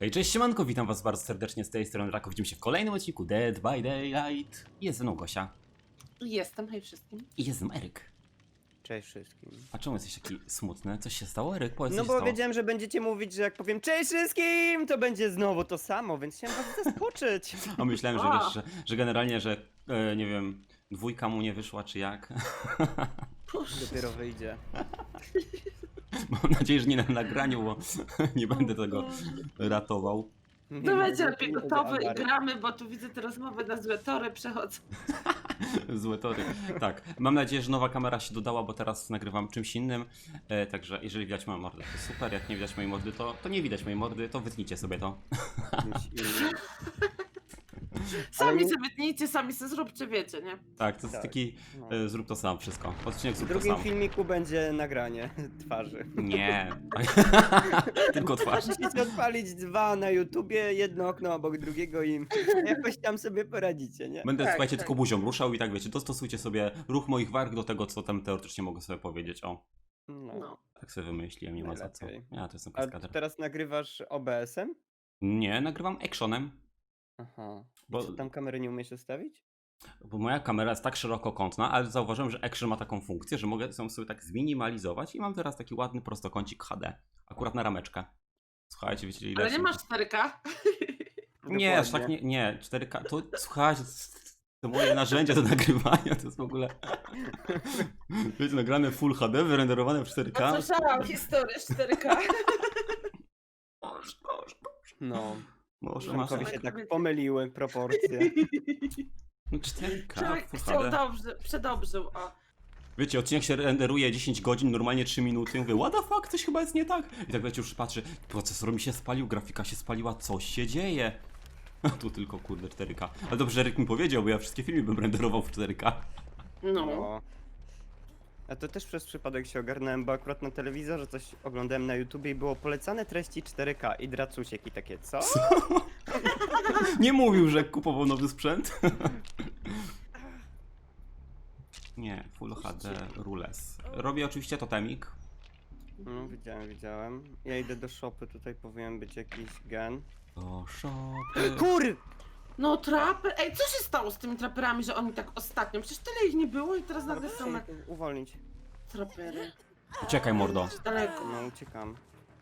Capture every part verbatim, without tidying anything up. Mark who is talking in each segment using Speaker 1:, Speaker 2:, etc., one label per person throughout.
Speaker 1: Hej, cześć, siemanko, witam was bardzo serdecznie z tej strony Rako. Widzimy się w kolejnym odcinku Dead by Daylight. Jest ze mną Gosia.
Speaker 2: Jestem, hej wszystkim.
Speaker 1: I jest ze mną Eryk.
Speaker 3: Cześć wszystkim.
Speaker 1: A czemu jesteś taki smutny? Coś się stało, Eryk? Powiedz,
Speaker 3: No
Speaker 1: co się
Speaker 3: bo
Speaker 1: stało.
Speaker 3: wiedziałem, że będziecie mówić, że jak powiem cześć wszystkim, to będzie znowu to samo, więc chciałem was zaskoczyć.
Speaker 1: A myślałem, że
Speaker 2: A.
Speaker 1: wiesz, że, że generalnie, że e, nie wiem, dwójka mu nie wyszła, czy jak.
Speaker 3: Dopiero wyjdzie.
Speaker 1: Mam nadzieję, że nie na nagraniu, bo nie będę tego ratował.
Speaker 2: Dawajcie lepiej
Speaker 3: Nie będzie
Speaker 2: gotowy i
Speaker 3: awarii.
Speaker 2: gramy, bo tu widzę te rozmowy na złe tory przechodzą.
Speaker 1: Złe tory. Tak, mam nadzieję, że nowa kamera się dodała, bo teraz nagrywam czymś innym. E, także jeżeli widać moją mordę, to super. Jak nie widać mojej mordy, to, to nie widać mojej mordy, to wytnijcie sobie to.
Speaker 3: Czymś innym.
Speaker 2: Sami
Speaker 3: Ale-
Speaker 2: sobie tnijcie, sami sobie zróbcie, wiecie, nie?
Speaker 1: Tak, to jest
Speaker 3: Tak.
Speaker 1: taki
Speaker 3: No.
Speaker 1: e, zrób to sam wszystko. Odcinek
Speaker 3: W
Speaker 1: zrób to
Speaker 3: drugim
Speaker 1: sam.
Speaker 3: filmiku będzie nagranie twarzy.
Speaker 1: Nie. Tylko twarz.
Speaker 3: Musicie odpalić dwa na YouTubie, jedno okno obok drugiego i jakoś tam sobie poradzicie, nie?
Speaker 1: Będę,
Speaker 2: Tak,
Speaker 1: słuchajcie,
Speaker 2: tak.
Speaker 1: tylko buzią ruszał i tak wiecie, dostosujcie sobie ruch moich warg do tego, co tam teoretycznie mogę sobie powiedzieć. O,
Speaker 3: No.
Speaker 2: No.
Speaker 1: tak sobie wymyśliłem, nie ma za co.
Speaker 3: Najlepiej.
Speaker 1: Ja to jestem
Speaker 3: A
Speaker 1: kaskader.
Speaker 3: teraz nagrywasz O B S-em?
Speaker 1: Nie, nagrywam actionem,
Speaker 3: Aha.
Speaker 1: Bo-
Speaker 3: Bo... Co, tam kamery nie umiesz ustawić?
Speaker 1: bo moja kamera jest tak szerokokątna, ale zauważyłem, że action ma taką funkcję, że mogę ją sobie tak zminimalizować i mam teraz taki ładny prostokącik H D. Akurat na rameczkę. Słuchajcie, wiecie ile...
Speaker 2: Ale nie
Speaker 1: są-
Speaker 2: masz cztery K?
Speaker 1: Nie, aż tak nie, nie, cztery K, to słuchajcie, to moje narzędzia do nagrywania, to jest w ogóle, wiecie, nagrane Full H D, wyrenderowane w cztery K.
Speaker 2: No słyszałam historię z cztery K.
Speaker 1: Boże, Boże, Boże.
Speaker 3: No.
Speaker 1: Może masz
Speaker 3: Przemkowi
Speaker 2: tak.
Speaker 3: się tak pomyliły proporcje.
Speaker 1: no cztery K,
Speaker 2: Człowiek
Speaker 1: Full
Speaker 2: chciał
Speaker 1: H D.
Speaker 2: dobrze, przedobrzył, o.
Speaker 1: Wiecie, odcinek się renderuje dziesięć godzin, normalnie trzy minuty, mówię, what the fuck, coś chyba jest nie tak. I tak wiecie, już patrzę, procesor mi się spalił, grafika się spaliła, coś się dzieje. A tu tylko kurde cztery K. Ale dobrze, że Ryk mi powiedział, bo ja wszystkie filmy bym renderował w cztery K.
Speaker 2: No.
Speaker 3: No. A to też przez przypadek się ogarnąłem, bo akurat na telewizorze coś oglądałem na YouTubie i było polecane treści cztery K i dracusiek i takie, co?
Speaker 1: Nie mówił, że kupował nowy sprzęt. Nie, Full H D Rules. Robię oczywiście totemik.
Speaker 3: No, widziałem, widziałem. Ja idę do shopy, tutaj powinien być jakiś gen.
Speaker 1: Do shopy.
Speaker 3: Kur!
Speaker 2: No trapy, ej, co się stało z tymi traperami, że oni tak ostatnio, przecież tyle ich nie było i teraz nagle są na
Speaker 3: Uwolnić.
Speaker 2: trapery.
Speaker 1: Uciekaj, mordo.
Speaker 2: Daleko.
Speaker 3: No, uciekam.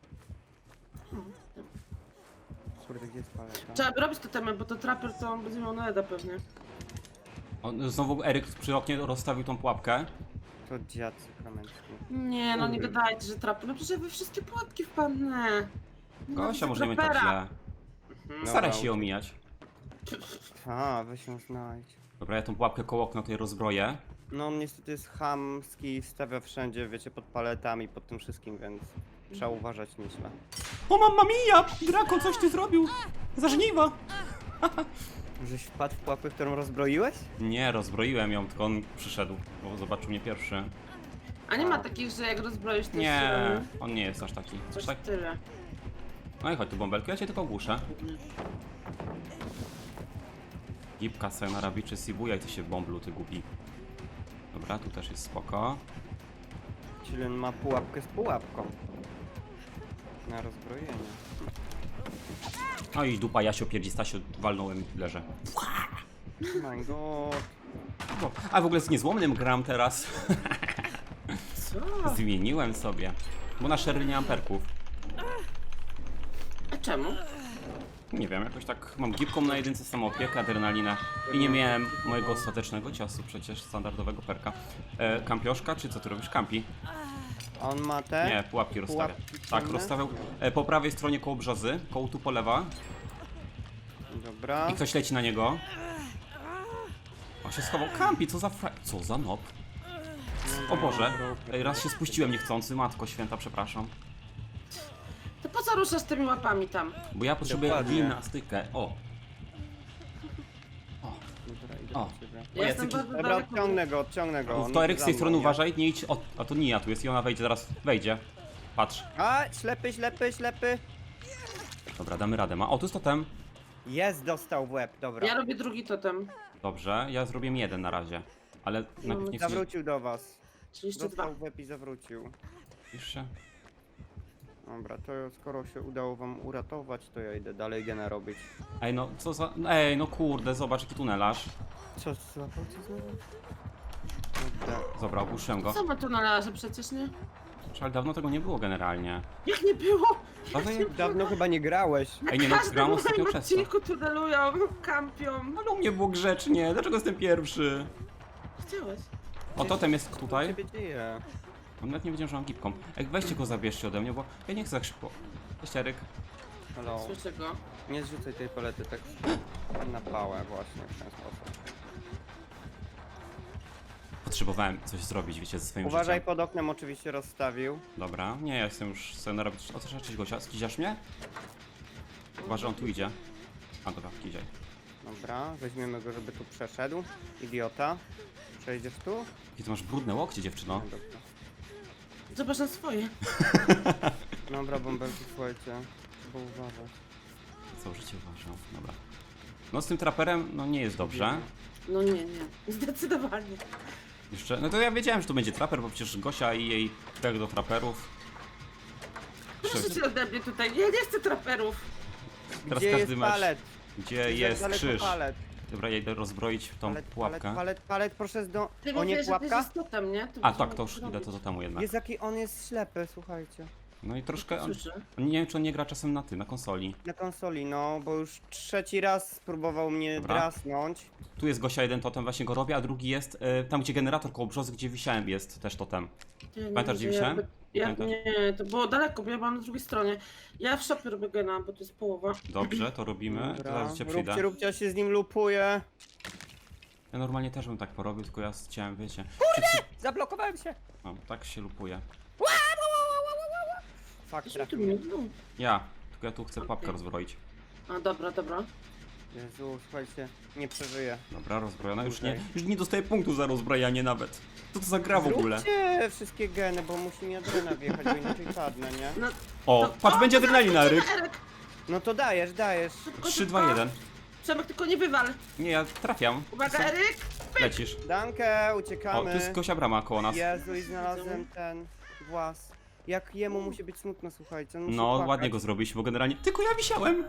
Speaker 3: Kurde, gdzie jest paleta?
Speaker 2: Trzeba by robić to temat, bo to traper to on będzie miał na Eda pewnie.
Speaker 1: On, znowu Eryk przy oknie rozstawił tą pułapkę.
Speaker 3: To dziad sakramencki.
Speaker 2: Nie, no nie
Speaker 3: Kurde.
Speaker 2: gadajcie, że traper. No przecież ja we wszystkie pułapki wpadnę. No,
Speaker 1: Gosia, może nie tak
Speaker 2: trapera.
Speaker 1: źle.
Speaker 3: Dobra,
Speaker 1: Staraj się ją
Speaker 3: uciek-
Speaker 1: omijać.
Speaker 3: A, weź ją znajdź.
Speaker 1: Dobra, ja tą pułapkę koło okna tutaj rozbroję.
Speaker 3: No, on niestety jest chamski, stawia wszędzie, wiecie, pod paletami, pod tym wszystkim, więc trzeba uważać nieźle.
Speaker 1: O, mamma mia! Draco, coś ty zrobił! Za żniwa!
Speaker 3: Żeś wpadł w pułapkę, którą rozbroiłeś?
Speaker 1: Nie, rozbroiłem ją, tylko on przyszedł, bo zobaczył mnie pierwszy.
Speaker 2: A nie ma takich, że jak rozbroisz to
Speaker 1: Nie,
Speaker 2: się-
Speaker 1: on nie jest aż taki. Coś
Speaker 2: Coś
Speaker 1: tak.
Speaker 2: tyle.
Speaker 1: No i chodź tu bąbelkę, ja cię tylko ogłuszę. Gipka sobie narabiczy Sibujaj ty się bąblu, ty głupi. Dobra, tu też jest spoko.
Speaker 3: Czyli on ma pułapkę z pułapką. Na rozbrojenie.
Speaker 1: No i dupa Jasio pierdzi Stasio, walnąłem i leżę.
Speaker 3: My god.
Speaker 1: O, a w ogóle z niezłomnym gram teraz.
Speaker 2: Co?
Speaker 1: Zmieniłem sobie. Bo na Sherry nie mam perków.
Speaker 2: A czemu?
Speaker 1: Nie wiem, jakoś tak mam gipką na jedynce, samoopiekę, adrenalinę i nie miałem mojego ostatecznego ciosu, przecież standardowego perka. E, kampioszka, czy co ty robisz? Kampi?
Speaker 3: A on ma te?
Speaker 1: Nie, pułapki rozstawia.
Speaker 3: Pułapki
Speaker 1: Tak,
Speaker 3: ciemne?
Speaker 1: rozstawiał e, po prawej stronie koło brzozy, koło tu po lewa
Speaker 3: Dobra.
Speaker 1: i ktoś leci na niego. On się schował. Kampi, co za fra... Co za nob? O Boże, Ej, raz się spuściłem niechcący, matko święta, przepraszam.
Speaker 2: To po co ruszasz tymi łapami tam?
Speaker 1: Bo ja potrzebuję
Speaker 3: Dokładnie.
Speaker 1: gimnastykę. O,
Speaker 3: Dobra, idę
Speaker 1: O.
Speaker 3: do ciebie.
Speaker 2: Ja
Speaker 1: O,
Speaker 2: jestem
Speaker 1: jacyś-
Speaker 2: bardzo
Speaker 3: Dobra,
Speaker 2: daleko.
Speaker 3: odciągnę go, odciągnę go. on
Speaker 1: to Eryk z
Speaker 3: za
Speaker 1: tej
Speaker 3: mną,
Speaker 1: strony
Speaker 3: nie?
Speaker 1: uważaj, nie idź. O, a to Nia tu jest i ona wejdzie, zaraz wejdzie. Patrz.
Speaker 3: A, ślepy, ślepy, ślepy.
Speaker 1: Dobra, damy radę. Ma. O, tu jest totem.
Speaker 3: Jest, dostał w łeb, dobra.
Speaker 2: Ja robię drugi totem.
Speaker 1: Dobrze, ja zrobię jeden na razie. Ale najpierw nie chcę...
Speaker 3: Zawrócił do was.
Speaker 2: Czyli jeszcze dwa.
Speaker 3: Dostał w łeb i zawrócił.
Speaker 1: Pisz się.
Speaker 3: Dobra, to skoro się udało wam uratować, to ja idę dalej gena robić.
Speaker 1: Ej, no co za... Ej, no kurde, zobacz jaki tunelarz.
Speaker 3: Co, złapał cię znowu? Dobra.
Speaker 1: Dobra, opuszczyłem go.
Speaker 2: Co ma tu na razie przecież, nie?
Speaker 1: Ale dawno tego nie było generalnie.
Speaker 2: Jak nie było?
Speaker 1: Dawno nie...
Speaker 3: Dawno chyba nie grałeś.
Speaker 1: Ej, nie no,
Speaker 2: Każdy
Speaker 1: gram
Speaker 2: w
Speaker 1: ostatnio
Speaker 2: moim
Speaker 1: przez to.
Speaker 2: odcinku tunelują, kampią.
Speaker 1: Ale u mnie było grzecznie, dlaczego jestem pierwszy?
Speaker 2: Chciałeś?
Speaker 1: O, totem jest
Speaker 3: Co
Speaker 1: tutaj.
Speaker 3: ciebie dzieje?
Speaker 1: On nawet nie wiedział, że mam gipką. Ej, weźcie go, zabierzcie ode mnie, bo ja nie chcę tak szybko. Cześć, Eryk.
Speaker 3: Halo.
Speaker 2: Słyszę go.
Speaker 3: Nie zrzucaj tej palety tak na pałę właśnie w ten sposób.
Speaker 1: Potrzebowałem coś zrobić, wiecie, ze swoim
Speaker 3: Uważaj,
Speaker 1: życiem.
Speaker 3: pod oknem oczywiście rozstawił.
Speaker 1: Dobra, nie, ja jestem już sobie narobić. O, co cześć Gosia, skiziasz mnie? Uważaj, on tu idzie. A, dobra, kiziaj.
Speaker 3: Dobra, weźmiemy go, żeby tu przeszedł. Idiota. Przejdziesz tu?
Speaker 1: I ty masz brudne łokcie, dziewczyno.
Speaker 3: No, dobra.
Speaker 2: Zobacz na swoje.
Speaker 3: Dobra, bąbelki, słuchajcie. Trzeba uważać.
Speaker 1: Całe życie uważam, dobra. No z tym traperem, no nie jest dobrze.
Speaker 2: No nie, nie. Zdecydowanie.
Speaker 1: Jeszcze, no to ja wiedziałem, że to będzie traper, bo przecież Gosia i jej pech do traperów.
Speaker 2: Proszę cię ode mnie tutaj. Ja nie chcę traperów.
Speaker 1: Teraz
Speaker 3: Gdzie
Speaker 1: każdy
Speaker 3: jest
Speaker 1: mecz.
Speaker 3: palet?
Speaker 1: Gdzie jest
Speaker 3: Daleko
Speaker 1: krzyż?
Speaker 3: Palet.
Speaker 1: Dobra, ja idę rozbroić tą
Speaker 3: Palet, palet,
Speaker 1: pułapkę.
Speaker 3: palet, palet, proszę zdo...
Speaker 2: Ty
Speaker 3: O nie,
Speaker 2: mówisz, że ty
Speaker 3: pułapka?
Speaker 2: jest totem, nie? To
Speaker 1: A
Speaker 2: musimy
Speaker 1: tak, to już
Speaker 2: zrobić.
Speaker 1: idę to do temu jednak.
Speaker 3: Jest jaki on jest ślepy, słuchajcie.
Speaker 1: No i troszkę, on,
Speaker 2: Słyszę.
Speaker 1: nie wiem czy on nie gra czasem na ty, na konsoli.
Speaker 3: Na konsoli, no, bo już trzeci raz spróbował mnie
Speaker 1: Dobra.
Speaker 3: drasnąć.
Speaker 1: Tu jest Gosia, jeden totem właśnie go robi, a drugi jest e, tam gdzie generator koło brzozy, gdzie wisiałem jest też totem.
Speaker 2: Ja nie
Speaker 1: Pamiętasz, gdzie
Speaker 2: widzę,
Speaker 1: wisiałem?
Speaker 2: jakby- Ja,
Speaker 1: Pamiętasz?
Speaker 2: nie, to było daleko, bo ja byłam na drugiej stronie. Ja w shopie robię gena, bo to jest połowa.
Speaker 1: Dobrze, to robimy.
Speaker 3: Dobra,
Speaker 1: Zaraz cię przyjdę.
Speaker 3: róbcie, róbcie, ja się z nim lupuję.
Speaker 1: Ja normalnie też bym tak porobił, tylko ja chciałem, wiecie.
Speaker 3: Zablokowałem się.
Speaker 1: No, tak się lupuje.
Speaker 3: Fakt,
Speaker 2: Zresztą tu
Speaker 3: trafił
Speaker 2: mnie,
Speaker 3: mnie.
Speaker 2: no.
Speaker 1: Ja, tylko ja tu chcę
Speaker 2: Okej.
Speaker 1: pułapkę rozbroić.
Speaker 2: A dobra, dobra.
Speaker 3: Jezu, słuchajcie, nie przeżyję.
Speaker 1: Dobra, rozbrojona. Już nie,
Speaker 3: Okej.
Speaker 1: już nie dostaję punktu za rozbrajanie nawet. Co to za gra w ogóle?
Speaker 3: Zróbcie wszystkie geny, bo musi mi adrena wjechać, bo inaczej padnę, nie?
Speaker 2: No,
Speaker 1: O,
Speaker 2: to-
Speaker 1: patrz,
Speaker 2: o,
Speaker 1: będzie
Speaker 2: to
Speaker 1: adrenalina,
Speaker 2: zaraz
Speaker 1: Eryk.
Speaker 2: będzie Eryk.
Speaker 3: No to dajesz, dajesz.
Speaker 2: Szybko,
Speaker 1: trzy,
Speaker 2: szybko.
Speaker 1: dwa, jeden.
Speaker 2: Przemek, tylko nie wywal.
Speaker 1: Nie, ja trafiam.
Speaker 2: Uwaga,
Speaker 1: Co?
Speaker 2: Eryk!
Speaker 1: Lecisz.
Speaker 3: Dankę,
Speaker 1: O,
Speaker 3: uciekamy.
Speaker 1: tu jest Gosia brama koło nas.
Speaker 3: Jezu, i znalazłem ten włas. Jak jemu musi być smutno, słuchajcie. On musi
Speaker 1: No,
Speaker 3: płakać.
Speaker 1: ładnie go zrobiliśmy, bo generalnie... Tylko ja wisiałem!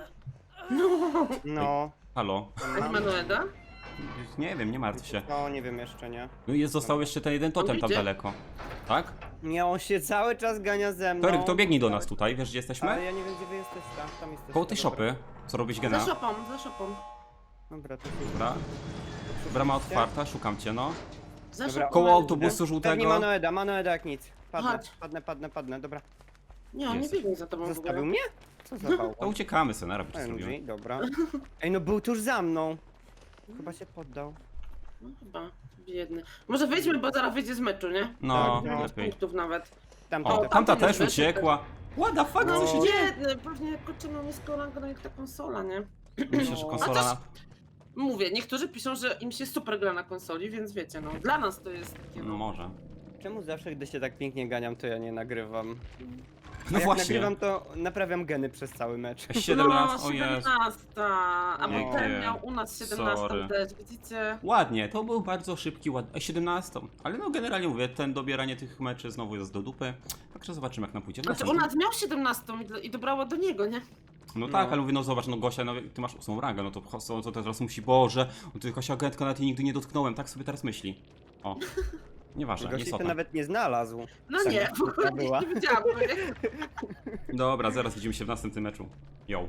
Speaker 3: No.
Speaker 1: Halo?
Speaker 2: Jak Manueda?
Speaker 1: Nie wiem, nie martw się.
Speaker 3: No, nie wiem jeszcze, nie?
Speaker 1: No i jest, został jeszcze ten jeden totem tam
Speaker 2: idzie?
Speaker 1: daleko. Tak?
Speaker 3: Nie, on się cały czas gania ze mną.
Speaker 1: To Eryk, to biegnij do nas tutaj, wiesz gdzie
Speaker 3: Ale
Speaker 1: jesteśmy?
Speaker 3: ja nie wiem, gdzie wy jesteście. Tam, tam jesteście.
Speaker 1: Koło tej
Speaker 3: dobra.
Speaker 1: szopy. Co robić
Speaker 2: Za
Speaker 1: gena?
Speaker 2: szopą, za szopą.
Speaker 3: Dobra, to się
Speaker 1: Dobra. Brama otwarta, szukam cię, no.
Speaker 2: Za
Speaker 3: Dobra,
Speaker 2: szopą.
Speaker 1: Koło
Speaker 2: Eryk.
Speaker 1: autobusu
Speaker 3: Pewnie
Speaker 1: żółtego.
Speaker 3: Manoeda, Manoeda jak nic. Padnę,
Speaker 2: Chodź.
Speaker 3: padnę, padnę, padnę, dobra.
Speaker 2: Nie, on nie
Speaker 1: Jest.
Speaker 2: biegnie za tobą w ogóle.
Speaker 3: Zostawił mnie? Co za
Speaker 1: To
Speaker 3: bałwan?
Speaker 1: uciekamy, Senera, by to
Speaker 3: M G,
Speaker 1: zrobimy.
Speaker 3: dobra. Ej, no był tuż za mną. Chyba się poddał.
Speaker 2: No chyba, biedny. Może wyjdźmy, bo zaraz wyjdzie z meczu, nie?
Speaker 1: No,
Speaker 3: Tak, no.
Speaker 1: lepiej.
Speaker 2: Punktów nawet.
Speaker 3: Tam,
Speaker 1: O,
Speaker 3: tam,
Speaker 2: tam-
Speaker 1: tamta
Speaker 2: tamten
Speaker 1: też
Speaker 2: już wyszedł.
Speaker 1: uciekła. What the fuck,
Speaker 2: No
Speaker 1: co się dzieje?
Speaker 2: biedny, pewnie kurczę miał niską rangę, no jak ta konsola, nie?
Speaker 1: Myślę, że
Speaker 3: No.
Speaker 1: konsola
Speaker 2: A
Speaker 1: na...
Speaker 2: Mówię, niektórzy piszą, że im się super gra na konsoli, więc wiecie, no dla nas to jest takie,
Speaker 1: No
Speaker 2: no.
Speaker 1: może.
Speaker 3: Czemu zawsze, gdy się tak pięknie ganiam, to ja nie nagrywam? A
Speaker 1: No
Speaker 3: jak
Speaker 1: właśnie.
Speaker 3: nagrywam, to naprawiam geny przez cały mecz.
Speaker 1: siedemnaście,
Speaker 2: No,
Speaker 1: o Jezu.
Speaker 2: siedemnasta, a
Speaker 3: Nie,
Speaker 2: potem
Speaker 1: nie.
Speaker 2: miał u nas siedemnasta
Speaker 1: Sorry.
Speaker 2: też, widzicie?
Speaker 1: Ładnie, to był bardzo szybki, ładny, siedemnaście. Ale no generalnie mówię, ten dobieranie tych meczy znowu jest do dupy. Także zobaczymy jak nam pójdzie.
Speaker 2: Znaczy u nas miał siedemnastą i, do- i dobrało do niego, nie?
Speaker 1: No tak,
Speaker 3: No.
Speaker 1: ale mówię, no zobacz, no Gosia, no ty masz ósmą rangę, no to co to teraz musi, Boże, no to Gosia agentka nawet jej nigdy nie dotknąłem, tak sobie teraz myśli. O, nieważne, nie
Speaker 3: Gości to
Speaker 1: sota.
Speaker 3: nawet nie znalazł.
Speaker 2: No
Speaker 3: Tak,
Speaker 2: nie, w ogóle
Speaker 3: to była.
Speaker 2: nie, nie widziałam go, nie?
Speaker 1: Dobra, zaraz widzimy się w następnym meczu. Yo.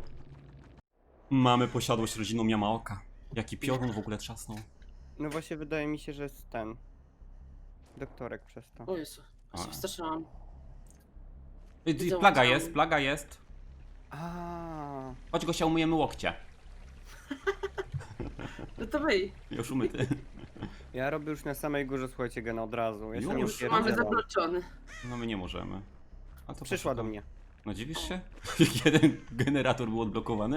Speaker 1: Mamy posiadłość rodziną Yamaoka. Jaki piorun w ogóle trzasnął.
Speaker 3: No właśnie wydaje mi się, że jest ten. Doktorek przez to.
Speaker 2: O Jezu, aż się
Speaker 1: A.
Speaker 2: wstraszyłam.
Speaker 1: Y, y,
Speaker 2: Widzą,
Speaker 1: Plaga
Speaker 2: widzą.
Speaker 1: jest, plaga jest.
Speaker 3: A,
Speaker 1: Chodź Gosia, umyjemy łokcie.
Speaker 2: No to wyj.
Speaker 1: Już umyty.
Speaker 3: ja robię już na samej górze, słuchajcie, gena od razu. Ja się
Speaker 1: Już?
Speaker 3: nie
Speaker 2: Już mamy
Speaker 3: upierdzielam.
Speaker 2: zabloczony.
Speaker 1: No my nie możemy. A to
Speaker 3: Przyszła
Speaker 1: proszę,
Speaker 3: do
Speaker 1: to-
Speaker 3: mnie.
Speaker 1: No dziwisz się? Jeden generator był odblokowany.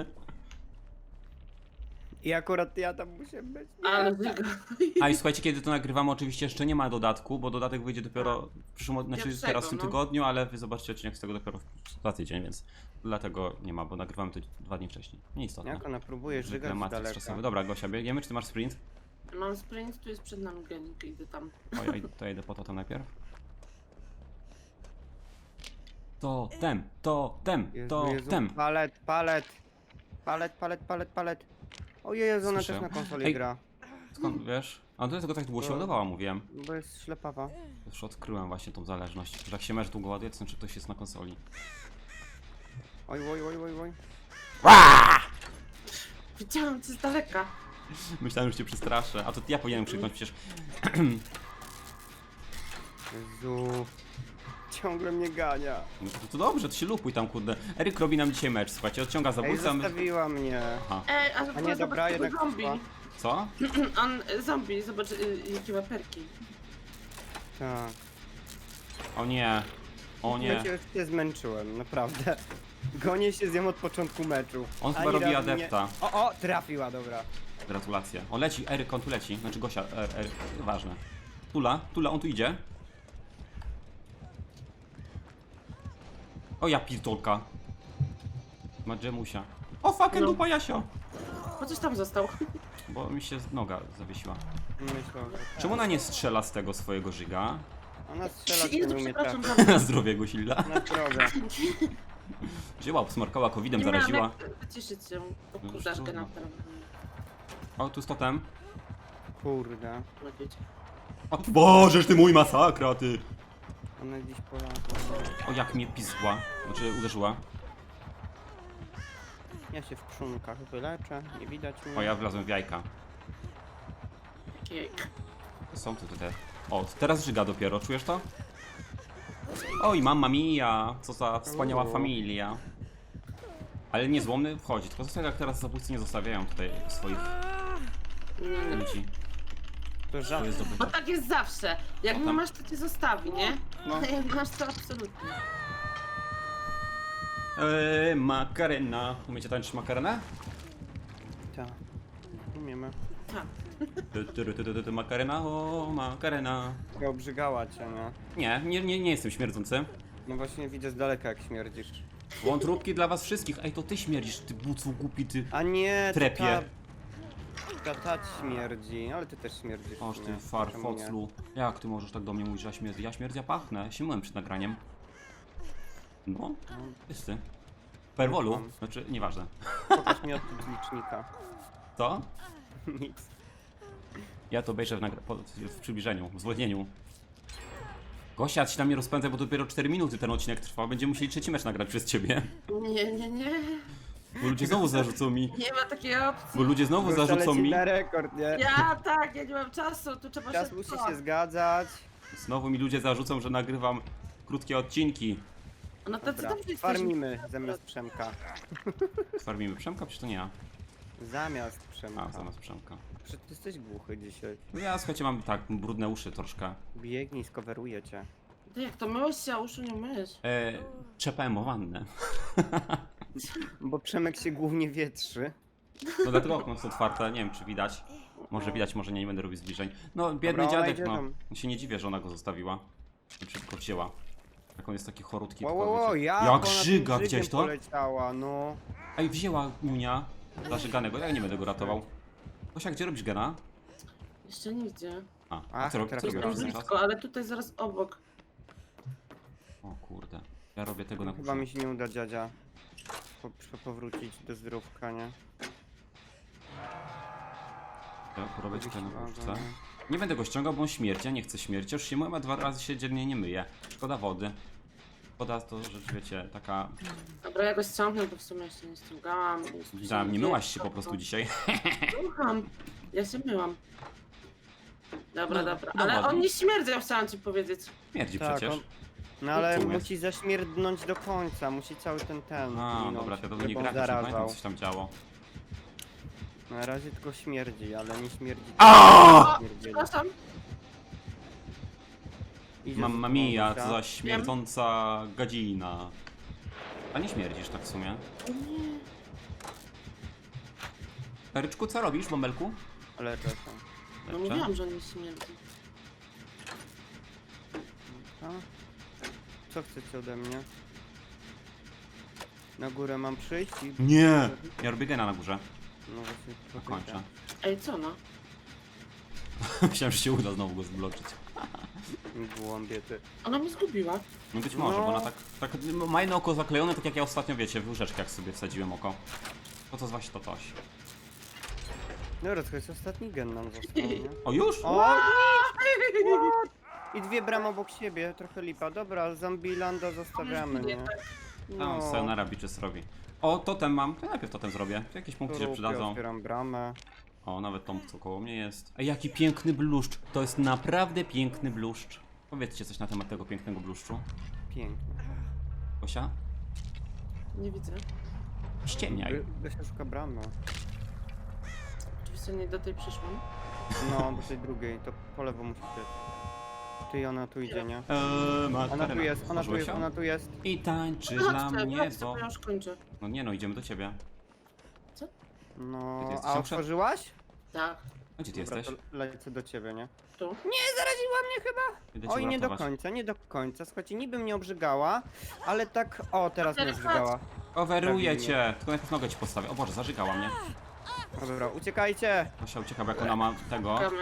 Speaker 3: I akurat ja tam muszę być. Nie.
Speaker 2: Ale wygo.
Speaker 1: A i słuchajcie, kiedy to nagrywamy, oczywiście jeszcze nie ma dodatku, bo dodatek wyjdzie dopiero w przyszłym, znaczy
Speaker 2: Pierwszego,
Speaker 1: teraz w tym
Speaker 2: no.
Speaker 1: tygodniu, ale wy zobaczycie odcinek z tego dopiero w, za tydzień, więc dlatego nie ma, bo nagrywamy to dwa dni wcześniej. Nieistotne.
Speaker 3: Jak ona próbuje
Speaker 1: Zwykle
Speaker 3: żygać z
Speaker 1: matrix
Speaker 3: daleka.
Speaker 1: czasowy. Dobra, Gosia, biegniemy, czy ty masz sprint?
Speaker 2: Mam sprint, tu jest przed nami genik, idę tam.
Speaker 1: O, ja idę, to ja idę po to tam najpierw. To tem, to tem,
Speaker 3: Jezu,
Speaker 1: to
Speaker 3: Jezu,
Speaker 1: tem.
Speaker 3: palet, palet. Palet, palet, palet, palet. Ojej, Jezu, ona
Speaker 1: Słyszę.
Speaker 3: też na konsoli
Speaker 1: Ej.
Speaker 3: gra.
Speaker 1: Skąd wiesz? A do tego tak długo się ładowała, mówiłem.
Speaker 3: Bo jest ślepawa.
Speaker 1: Już odkryłem właśnie tą zależność, że jak się mecz długo ładuje, to znaczy ktoś jest na konsoli.
Speaker 3: Oj, oj, oj, oj, oj.
Speaker 2: Widziałam cię z daleka.
Speaker 1: Myślałem, że cię przestraszę, a to ja powinienem krzyknąć przecież.
Speaker 3: Jezu. Ciągle mnie gania.
Speaker 1: No to, to dobrze, to się lupuj tam, kurde. Eryk robi nam dzisiaj mecz, słuchajcie, odciąga
Speaker 3: Ej,
Speaker 1: zabójcę. my-
Speaker 3: zostawiła mnie.
Speaker 1: Aha.
Speaker 2: Ej, a,
Speaker 3: A nie,
Speaker 2: zobacz
Speaker 3: dobra,
Speaker 2: tego
Speaker 3: jednak
Speaker 2: zombie.
Speaker 3: poszła.
Speaker 1: Co?
Speaker 2: On, y, zombie, zobacz y, jakie ma perki.
Speaker 3: Tak.
Speaker 1: O nie. O
Speaker 3: Ja
Speaker 1: nie.
Speaker 3: cię już się zmęczyłem, naprawdę. Gonię się z nią od początku meczu.
Speaker 1: On chyba
Speaker 3: Ani
Speaker 1: robi
Speaker 3: razu
Speaker 1: adepta.
Speaker 3: Nie... O, o, trafiła, dobra.
Speaker 1: Gratulacje. O, leci, Eryk, on tu leci. Znaczy Gosia, er, er, ważne. Tula, Tula, on tu idzie. O, ja pitolka. Ma dżemusia. O, fucking
Speaker 2: No.
Speaker 1: dupa Jasio.
Speaker 2: Po coś tam został.
Speaker 1: Bo mi się noga zawiesiła.
Speaker 3: Myślę, że tak.
Speaker 1: Czemu ona nie strzela z tego swojego żyga?
Speaker 3: Ona strzela, to
Speaker 2: Jezu,
Speaker 3: nie umie
Speaker 2: przepraszam
Speaker 3: trafić.
Speaker 2: za
Speaker 1: Na zdrowie Gosilla.
Speaker 3: Na drogę.
Speaker 1: Wzięła, obsmarkała covidem,
Speaker 2: Nie miałam
Speaker 1: zaraziła.
Speaker 2: jak wyciszyć się. O
Speaker 1: No,
Speaker 2: kurzaszkę
Speaker 1: trudno.
Speaker 2: na pewno.
Speaker 1: O, tu z totem.
Speaker 3: Kurde.
Speaker 2: No wiecie.
Speaker 1: O, Bożeż ty mój masakra, ty!
Speaker 3: Ona gdzieś polazła.
Speaker 1: O, jak mnie pizgła. Znaczy, uderzyła.
Speaker 3: Ja się w krzunkach wyleczę, nie widać mnie.
Speaker 1: O, ja wlazłem w jajka.
Speaker 2: Jejk.
Speaker 1: Są tu te. O, teraz żyga dopiero, czujesz to? Oj, mamma mia, co za wspaniała
Speaker 3: Uuu.
Speaker 1: familia. Ale niezłomny wchodzi, tylko zostawiam, jak teraz zabójcy nie zostawiają tutaj swoich
Speaker 2: Nie, nie.
Speaker 1: ludzi.
Speaker 3: To
Speaker 1: To
Speaker 3: żart.
Speaker 1: jest
Speaker 2: Bo
Speaker 1: zdobycze.
Speaker 2: tak jest zawsze. Jak
Speaker 1: O,
Speaker 2: nie
Speaker 1: tam.
Speaker 2: masz, to cię zostawi, nie?
Speaker 3: No.
Speaker 2: A jak masz, to absolutnie.
Speaker 1: Eee, makarena. Umiecie tańczyć makarenę?
Speaker 3: Tak. Umiemy.
Speaker 2: Tak.
Speaker 1: Ty, ty, ty, ty, ty, ty, Makarena, o, makarena.
Speaker 3: Ja obrzygała cię, nie?
Speaker 1: Nie, nie, nie, nie jestem śmierdzący.
Speaker 3: No właśnie widzę z daleka jak śmierdzisz.
Speaker 1: Wątróbki dla was wszystkich. Ej, to ty śmierdzisz, ty bucu głupi, ty.
Speaker 3: A nie, to
Speaker 1: Trepie.
Speaker 3: Ta, ta, ta śmierdzi, ale ty też śmierdzisz.
Speaker 1: Oż
Speaker 3: nie?
Speaker 1: ty
Speaker 3: Czemu nie?
Speaker 1: farfoclu. Jak ty możesz tak do mnie mówić, że ja śmierdzę? Ja śmierdzę, ja pachnę. Się myłem przed nagraniem. No, jest ty. Perwolu?
Speaker 3: Mam.
Speaker 1: Znaczy, nieważne.
Speaker 3: Pokaż mi od licznika.
Speaker 1: To?
Speaker 3: Nic.
Speaker 1: Ja to obejrzę w, nagra- po- w przybliżeniu, w zwolnieniu. Gosia, ci tam nie rozpędzaj, bo dopiero cztery minuty ten odcinek trwa. Będziemy musieli trzeci mecz nagrać przez ciebie.
Speaker 2: Nie, nie, nie.
Speaker 1: Bo ludzie znowu zarzucą mi.
Speaker 2: Nie ma takiej opcji.
Speaker 1: Bo ludzie znowu
Speaker 3: Gosia
Speaker 1: zarzucą
Speaker 3: leci
Speaker 1: mi.
Speaker 3: na rekord, nie?
Speaker 2: Ja tak, ja nie mam czasu, tu trzeba
Speaker 3: Czas
Speaker 2: się...
Speaker 3: musi się zgadzać.
Speaker 1: Znowu mi ludzie zarzucą, że nagrywam krótkie odcinki.
Speaker 2: No to co
Speaker 3: Dobra,
Speaker 2: tam jesteś?
Speaker 3: farmimy zamiast Przemka.
Speaker 1: Farmimy Przemka, przecież to nie ja.
Speaker 3: Zamiast Przemka.
Speaker 1: A, zamiast Przemka.
Speaker 3: Przecież ty jesteś głuchy dzisiaj.
Speaker 1: No ja, słuchajcie, mam tak brudne uszy troszkę.
Speaker 3: Biegnij, skoweruję cię.
Speaker 2: Ty jak to myłeś się, a uszu nie myjesz.
Speaker 1: E, trzepałem o wannę.
Speaker 3: Bo Przemek się głównie wietrzy.
Speaker 1: No dlatego okno jest otwarte, nie wiem czy widać. Może widać, może nie, nie będę robił zbliżeń. No, biedny
Speaker 3: Dobra, ona
Speaker 1: dziadek,
Speaker 3: idzie
Speaker 1: no.
Speaker 3: tam.
Speaker 1: Ja się nie dziwię, że ona go zostawiła. Znaczy go wzięła. Jak on jest taki chorutki.
Speaker 3: Wow,
Speaker 1: tylko
Speaker 3: wow, wow,
Speaker 1: wiecie-
Speaker 3: jak,
Speaker 1: Jak
Speaker 3: ona tym
Speaker 1: żyga,
Speaker 3: żygiem
Speaker 1: widziałeś to?
Speaker 3: poleciała, no.
Speaker 1: Ej, wzięła Niunia. Zażyganego, ja nie będę go ratował. Gosia, gdzie robisz gena?
Speaker 2: Jeszcze nigdzie.
Speaker 1: A, a
Speaker 3: Ach,
Speaker 1: co, rob-
Speaker 3: teraz
Speaker 1: co
Speaker 2: Coś
Speaker 3: robię
Speaker 2: tam
Speaker 1: robisz
Speaker 3: gena.
Speaker 1: teraz?
Speaker 2: blisko, ale tutaj zaraz obok.
Speaker 1: O kurde. Ja robię tego na
Speaker 3: Chyba
Speaker 1: górze.
Speaker 3: mi się nie uda, dziadzia. Po, po, powrócić do zdrówka, nie?
Speaker 1: Ja robię tutaj na
Speaker 3: Wysiłka,
Speaker 1: górze.
Speaker 3: nie?
Speaker 1: Nie będę go ściągał, bo on śmierci, ja nie chcę śmierci. Już się myłem, a dwa razy się dziennie nie myję. Szkoda wody. Woda to rzecz, wiecie, taka...
Speaker 2: Dobra, ja go ściągnę, bo w sumie jeszcze nie ściągałam.
Speaker 1: Widziałem, nie myłaś się po prostu dzisiaj.
Speaker 2: Słucham. Ja się myłam. Dobra,
Speaker 1: No,
Speaker 2: dobra.
Speaker 1: no
Speaker 2: Ale
Speaker 1: ładnie.
Speaker 2: on nie śmierdzi, ja chciałam ci powiedzieć.
Speaker 1: Śmierdzi
Speaker 3: Tak,
Speaker 1: przecież.
Speaker 3: on- No ale
Speaker 1: Czemu jest?
Speaker 3: musi zaśmierdnąć do końca, musi cały ten ten
Speaker 1: A,
Speaker 3: minąć,
Speaker 1: dobra, to nie
Speaker 3: żeby on
Speaker 1: gra, nie pamiętam
Speaker 3: zarażał.
Speaker 1: co się tam działo.
Speaker 3: Na razie tylko śmierdzi, ale nie śmierdzi.
Speaker 1: A!
Speaker 2: O,
Speaker 3: Śmierdzieli.
Speaker 2: przepraszam.
Speaker 3: Idzie
Speaker 1: Mamma
Speaker 3: z
Speaker 1: mia,
Speaker 3: końca.
Speaker 1: co za śmierdząca gadzina. A nie śmierdzisz tak w sumie.
Speaker 2: Nie.
Speaker 1: Ryczku, co robisz, bąbelku?
Speaker 3: Ale czekam.
Speaker 2: No
Speaker 1: Lepsze?
Speaker 2: mówiłam, że on nie śmierdzi.
Speaker 3: A? Co chcecie ode mnie? Na górę mam przyjść i...
Speaker 1: Nie! Ja robię gena na górze.
Speaker 3: No właśnie,
Speaker 1: Dokończę.
Speaker 2: Ej, co no?
Speaker 1: Myślałem, że się uda znowu go zbloczyć.
Speaker 3: Głąbie ty.
Speaker 2: Ona mnie zgubiła.
Speaker 1: No być może,
Speaker 3: No.
Speaker 1: bo ona tak, tak ma jedno oko zaklejone, tak jak ja ostatnio, wiecie, w łyżeczkach sobie wsadziłem oko. To to właśnie to coś.
Speaker 3: Dobra, to jest ostatni gen nam został, nie?
Speaker 1: O, już?
Speaker 3: O! I dwie bramy obok siebie, trochę lipa. Dobra, Zambilanda zostawiamy, nie?
Speaker 1: No, sayonara bitches robi. O, totem mam. To ja najpierw totem zrobię. Tu jakieś punkty się
Speaker 3: Trupie,
Speaker 1: przydadzą.
Speaker 3: otwieram bramę.
Speaker 1: O, nawet tą, co koło mnie jest. Ej, jaki piękny bluszcz. To jest naprawdę piękny bluszcz. Powiedzcie coś na temat tego pięknego bluszczu.
Speaker 3: Pięknie.
Speaker 1: Gosia?
Speaker 2: Nie widzę.
Speaker 1: Ściemniaj.
Speaker 3: Gosia szuka bramy.
Speaker 2: Oczywiście nie do tej przyszłam.
Speaker 3: No, do tej drugiej, to po lewo musi być. Ty, ona tu idzie, nie?
Speaker 1: Eee,
Speaker 3: Ona tu jest, ona tu
Speaker 1: Otworzyłeś
Speaker 3: jest,
Speaker 1: ją?
Speaker 3: ona tu jest.
Speaker 1: I tańczy dla
Speaker 2: Chodźcie,
Speaker 1: mnie,
Speaker 2: chodźcie,
Speaker 1: bo...
Speaker 2: bo ja już kończę.
Speaker 1: No nie no, idziemy do ciebie.
Speaker 3: No,
Speaker 1: Ty jesteś
Speaker 3: a
Speaker 1: tam przed-
Speaker 3: otworzyłaś?
Speaker 2: Tak,
Speaker 1: A gdzie ty
Speaker 3: Dobra,
Speaker 1: jesteś?
Speaker 3: to lecę do ciebie, nie?
Speaker 2: tu.
Speaker 3: Nie, zaraziła mnie chyba!
Speaker 1: Idę cię
Speaker 3: Oj, nie do
Speaker 1: uratować.
Speaker 3: końca, nie do końca. Słuchajcie, niby mnie obrzygała, ale tak... O, teraz mnie
Speaker 2: Teraz
Speaker 3: obrzygała.
Speaker 1: Overuję
Speaker 3: Prawie
Speaker 1: cię. Tylko najpierw nogę ci postawię. O Boże, zażygała mnie.
Speaker 3: Dobra, uciekajcie!
Speaker 1: Gosia ucieka, bo jak ona ma tego.
Speaker 2: Gramy.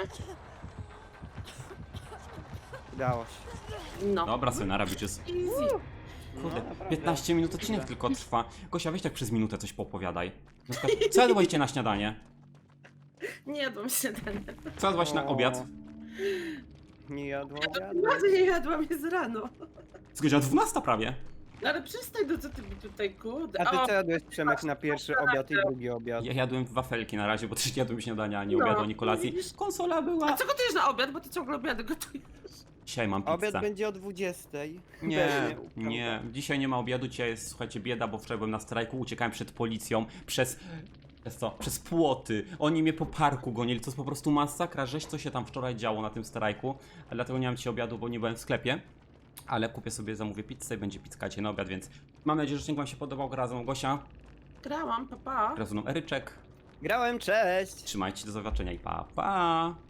Speaker 3: Udało się.
Speaker 2: No.
Speaker 1: Dobra, sayonara bitches.
Speaker 2: Easy.
Speaker 1: Kurde,
Speaker 3: No, naprawdę.
Speaker 1: piętnaście minut odcinek tylko trwa. Gosia, weź tak przez minutę coś poopowiadaj. Na przykład, co jadłaście na śniadanie?
Speaker 2: Nie jadłam śniadania.
Speaker 1: Co jadłaś na
Speaker 3: O.
Speaker 1: obiad?
Speaker 3: Nie jadło
Speaker 2: Ja
Speaker 3: obiadu.
Speaker 2: to nie jadłam, jest rano.
Speaker 1: Z godzina dwunasta prawie.
Speaker 2: No ale przestań, no co ty mi tutaj, kurde.
Speaker 3: A ty
Speaker 2: O,
Speaker 3: co jadłeś, Przemek, na pierwszy obiad i drugi obiad?
Speaker 1: Ja jadłem wafelki na razie, bo też nie jadłem śniadania, ani
Speaker 2: No,
Speaker 1: obiadu, ani kolacji.
Speaker 2: widzisz?
Speaker 1: Konsola
Speaker 2: A
Speaker 1: była.
Speaker 2: co gotujesz na obiad, bo ty ciągle obiady gotujesz?
Speaker 1: Dzisiaj mam
Speaker 3: Obiad
Speaker 1: pizzę.
Speaker 3: będzie o dwudziestej.
Speaker 1: Nie,
Speaker 3: Pewnie,
Speaker 1: nie. Dzisiaj nie ma obiadu, dzisiaj jest, słuchajcie, bieda, bo wczoraj byłem na strajku, uciekałem przed policją, przez... Przez co? Przez płoty. Oni mnie po parku gonili, to jest po prostu masakra, żeś co się tam wczoraj działo na tym strajku. A dlatego nie mam dzisiaj obiadu, bo nie byłem w sklepie. Ale kupię sobie, zamówię pizzę i będzie pizzka dzisiaj na obiad, więc mam nadzieję, że odcinek wam się podobał. Razem Gosia,
Speaker 2: Grałam, papa. Pa.
Speaker 1: razem Eryczek.
Speaker 3: Grałem, cześć!
Speaker 1: Trzymajcie się, do zobaczenia i pa, pa!